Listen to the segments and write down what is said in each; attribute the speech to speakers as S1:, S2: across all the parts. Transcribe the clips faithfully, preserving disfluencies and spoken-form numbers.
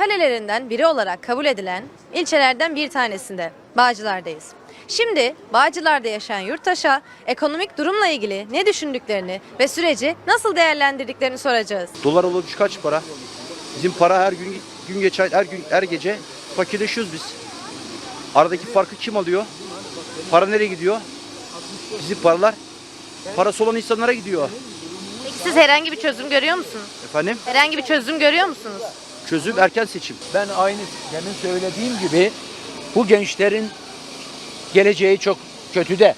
S1: kalelerinden biri olarak kabul edilen ilçelerden bir tanesinde Bağcılar'dayız. Şimdi Bağcılar'da yaşayan yurttaşa ekonomik durumla ilgili ne düşündüklerini ve süreci nasıl değerlendirdiklerini soracağız.
S2: Dolar olmuş kaç para? Bizim para her gün gün geçer, her gün her gece fakirleşiyoruz biz. Aradaki farkı kim alıyor? Para nereye gidiyor? Bizim paralar parası olan insanlara gidiyor.
S1: Peki siz herhangi bir çözüm görüyor musunuz?
S2: Efendim?
S1: Herhangi bir çözüm görüyor musunuz?
S2: Çözüm erken seçim.
S3: Ben aynı demin söylediğim gibi bu gençlerin geleceği çok kötü de.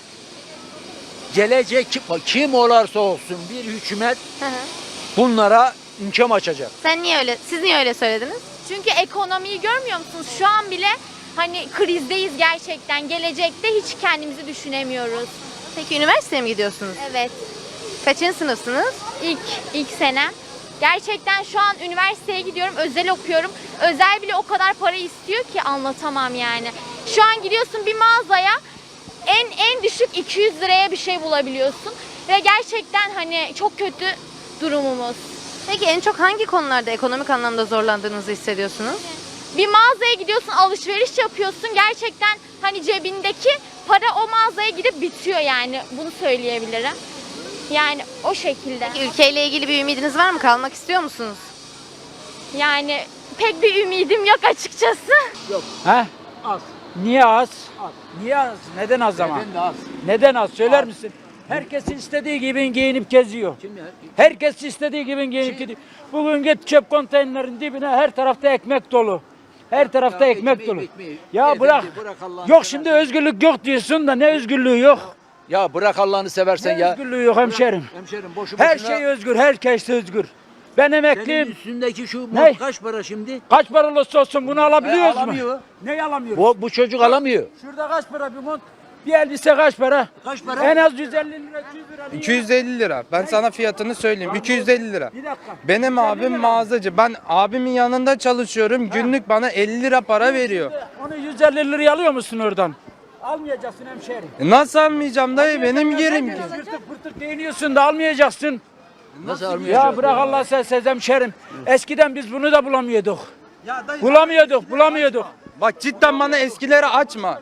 S3: Gelecek kim, kim olursa olsun bir hükümet
S1: Hı hı.
S3: bunlara imkan açacak.
S1: Sen niye öyle, siz niye öyle söylediniz?
S4: Çünkü ekonomiyi görmüyor musunuz? Şu an bile hani krizdeyiz gerçekten. Gelecekte hiç kendimizi düşünemiyoruz.
S1: Peki üniversiteye mi gidiyorsunuz?
S4: Evet.
S1: Kaçıncı sınıfsınız?
S4: İlk ilk senem. Gerçekten şu an üniversiteye gidiyorum, özel okuyorum. Özel bile o kadar para istiyor ki anlatamam yani. Şu an gidiyorsun bir mağazaya en en düşük iki yüz liraya bir şey bulabiliyorsun ve gerçekten hani çok kötü durumumuz.
S1: Peki en çok hangi konularda ekonomik anlamda zorlandığınızı hissediyorsunuz?
S4: Bir mağazaya gidiyorsun, alışveriş yapıyorsun. Gerçekten hani cebindeki para o mağazaya gidip bitiyor yani. Bunu söyleyebilirim. Yani o şekilde.
S1: Peki ülkeyle ilgili bir ümidiniz var mı? Kalmak istiyor musunuz?
S4: Yani pek bir ümidim yok açıkçası.
S5: Ha? Az. Niye az? Az. Niye az? Neden az zaman?
S3: Neden de az?
S5: Neden az? Söyler misin? Herkes istediği gibi giyinip geziyor.
S3: Kim ya?
S5: Herkes istediği gibi giyinip gidiyor. Bugün git çöp konteynerlerin dibine, her tarafta ekmek dolu. Her tarafta
S3: Ya
S5: ekmek
S3: ekmeği,
S5: dolu.
S3: ekmeği.
S5: Ya
S3: Beyefendi,
S5: bırak.
S3: bırak Allah'ını
S5: Yok
S3: seversen.
S5: şimdi özgürlük yok diyorsun da ne özgürlüğü yok?
S3: Ya bırak Allah'ını seversen
S5: Ne
S3: ya.
S5: özgürlüğü yok hemşerim.
S3: Hemşerim boşu
S5: Her
S3: boşuna.
S5: şey özgür, herkes özgür. Ben
S3: Senin
S5: emekliyim.
S3: üstündeki şu
S5: Ne?
S3: mont kaç para şimdi?
S5: Kaç para olursa olsun bunu alabiliyoruz
S3: E, alamıyor.
S5: mu? Ne alamıyoruz?
S3: Bu, bu çocuk alamıyor.
S5: Şurada kaç para bir mont? Bir elbise kaç para?
S3: Kaç para?
S5: En az yüz elli lira, iki yüz lira.
S6: iki yüz elli lira. Ben sana fiyatını söyleyeyim. iki yüz elli lira.
S5: Bir dakika.
S6: Benim abim mağazacı. Ben abimin yanında çalışıyorum. Günlük bana elli lira para veriyor.
S5: Onu yüz elli liraya alıyor musun oradan? Almayacaksın hemşerim.
S6: E Nasıl almayacağım dayı? Benim yerim ki.
S5: Pırtık pırtık değiniyorsun da almayacaksın.
S3: Nasıl almıyor?
S5: Ya bırak Allah sen sez hemşerim. Eskiden biz bunu da bulamıyorduk. Bulamıyorduk, bulamıyorduk.
S6: Bak cidden bana eskileri açma.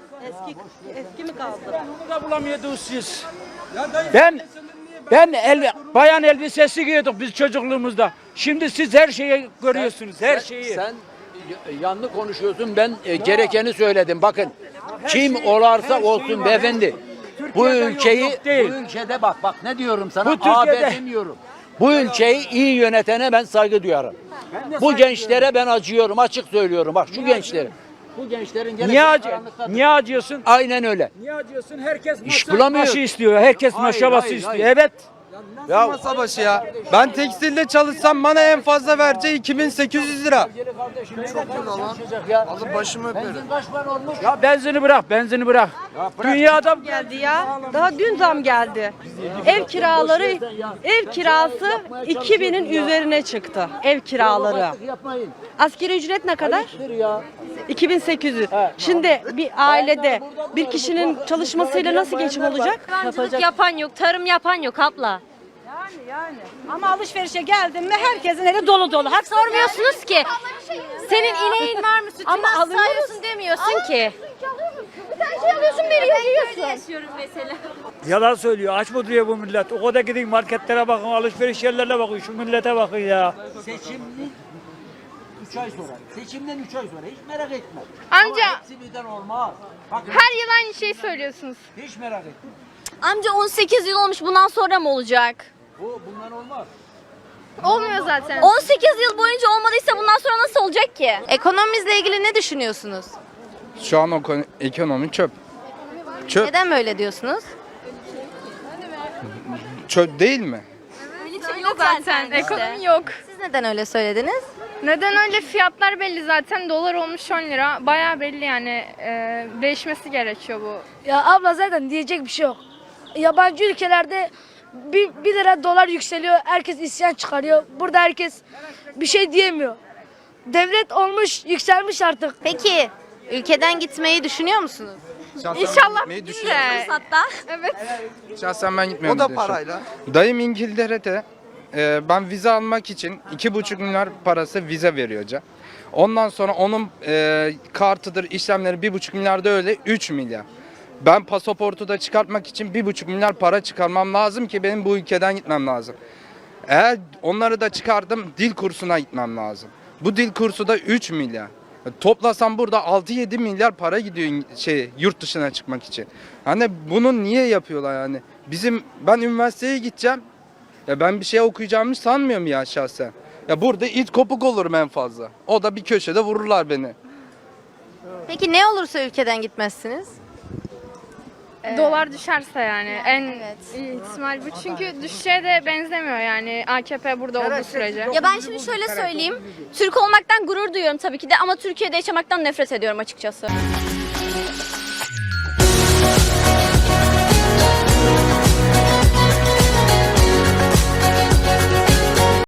S5: Bunu da bulamıyorduk siz. Ben ben el, bayan elbisesi giyiyorduk biz çocukluğumuzda. Şimdi siz her şeyi görüyorsunuz, her şeyi.
S3: Sen y- yanlış konuşuyorsun. Ben e, gerekeni söyledim. Bakın. Kim olarsa olsun beyefendi. Bu
S5: Türkiye'de yok,
S3: ülkeyi
S5: yok değil.
S3: bu ülkede bak bak ne diyorum sana?
S5: Bu Türkiye'de-
S3: A B demiyorum. Bu ülkeyi iyi yönetene ben saygı duyarım.
S5: de
S3: Bu
S5: saygı
S3: gençlere ben acıyorum. Açık söylüyorum. Bak şu gençlere. Bu gençlerin geleceği
S5: Niye acı?
S3: karanlıktadır.
S5: Niye acıyorsun?
S3: Aynen öyle.
S5: Niye acıyorsun? Herkes
S3: İş
S5: masa
S3: bulamıyor.
S5: başı istiyor. Herkes
S3: Hayır,
S5: masa başı
S3: hayır,
S5: istiyor.
S3: hayır.
S5: Evet.
S6: Ya masa başı ya. Ben tekstilde çalışsam bana en fazla vereceği iki bin sekiz yüz lira.
S3: Alın başımı öperim. Benzin kaç para olmuş?
S5: Ya benzini bırak, benzini bırak. Dünyada
S7: geldi ya. Daha dün zam geldi. Ev kiraları, ev kirası iki binin üzerine çıktı. Ev kiraları.
S3: Yapmayın.
S7: Asgari ücret ne kadar?
S3: Ayıptır ya.
S7: iki bin sekiz yüz. Şimdi bir ailede bir kişinin çalışmasıyla nasıl geçim olacak?
S8: Hayvancılık yapan yok, tarım yapan yok abla.
S7: Ama alışverişe geldin mi herkesin eli dolu dolu. Hak
S8: Sormuyorsunuz ki. Senin ineğin var mı, sütünü
S7: Ama
S8: nasıl
S7: alıyoruz.
S8: sağıyorsun demiyorsun ki.
S4: Bir tane şey alıyorsun veriyor yiyorsun.
S8: Yaşıyorum mesela.
S5: yalan söylüyor. Aç mı duruyor bu millet? O kadar gidin marketlere bakın, alışveriş yerlerine bakın. Şu millete bakın ya.
S3: Seçimden üç ay sonra. Seçimden üç ay sonra. Hiç merak etme.
S4: Amca-
S3: Ama hepsi birden olmaz. Bakın
S4: Her yıl aynı şeyi söylüyorsunuz.
S3: hiç merak etme.
S8: Amca on sekiz yıl olmuş, bundan sonra mı olacak?
S3: Bu bundan olmaz.
S4: Olmuyor zaten.
S8: on sekiz yıl boyunca olmadıysa bundan sonra nasıl olacak ki?
S1: Ekonomimizle ilgili ne düşünüyorsunuz?
S6: Şu an o konu- ekonomi çöp. Çöp,
S1: Neden böyle diyorsunuz?
S6: çöp değil mi?
S8: Yok zaten.
S4: Ekonomi yok.
S1: Siz neden öyle söylediniz?
S4: Neden öyle? Fiyatlar belli zaten. Dolar olmuş on lira. Bayağı belli yani. Ee, değişmesi gerekiyor bu.
S9: Ya abla zaten diyecek bir şey yok. Yabancı ülkelerde bir, bir lira dolar yükseliyor. Herkes isyan çıkarıyor. Burada herkes bir şey diyemiyor. Devlet olmuş, yükselmiş artık.
S1: Peki ülkeden gitmeyi düşünüyor musunuz?
S6: Şahsen
S4: İnşallah
S6: gitmeyi düşünüyorum.
S8: Hatta.
S4: Evet.
S6: Şahsen ben gitmiyorum.
S2: O da
S6: diyorsun.
S2: parayla.
S6: Dayım İngiltere'de e, ben vize almak için iki buçuk milyar parası vize veriyor hoca. Ondan sonra onun e, kartıdır, işlemleri bir buçuk milyar da öyle üç milyar. Ben pasaportu da çıkartmak için bir buçuk milyar para çıkarmam lazım ki benim bu ülkeden gitmem lazım. Eğer onları da çıkardım, dil kursuna gitmem lazım. Bu dil kursu da üç milyar. Toplasam burada altı yedi milyar para gidiyor şey yurt dışına çıkmak için. Hani bunu niye yapıyorlar yani? Bizim ben üniversiteye gideceğim. Ya ben bir şey okuyacağımı sanmıyorum ya şahsen. Ya burada it kopuk olurum en fazla. O da bir köşede vururlar beni.
S1: Peki ne olursa ülkeden gitmezsiniz?
S10: Dolar düşerse yani en
S1: evet.
S10: iyi ihtimal bu. Çünkü düşeceğe de benzemiyor yani A K P burada olduğu sürece.
S8: Ya ben şimdi şöyle söyleyeyim. Türk olmaktan gurur duyuyorum tabii ki de ama Türkiye'de yaşamaktan nefret ediyorum açıkçası.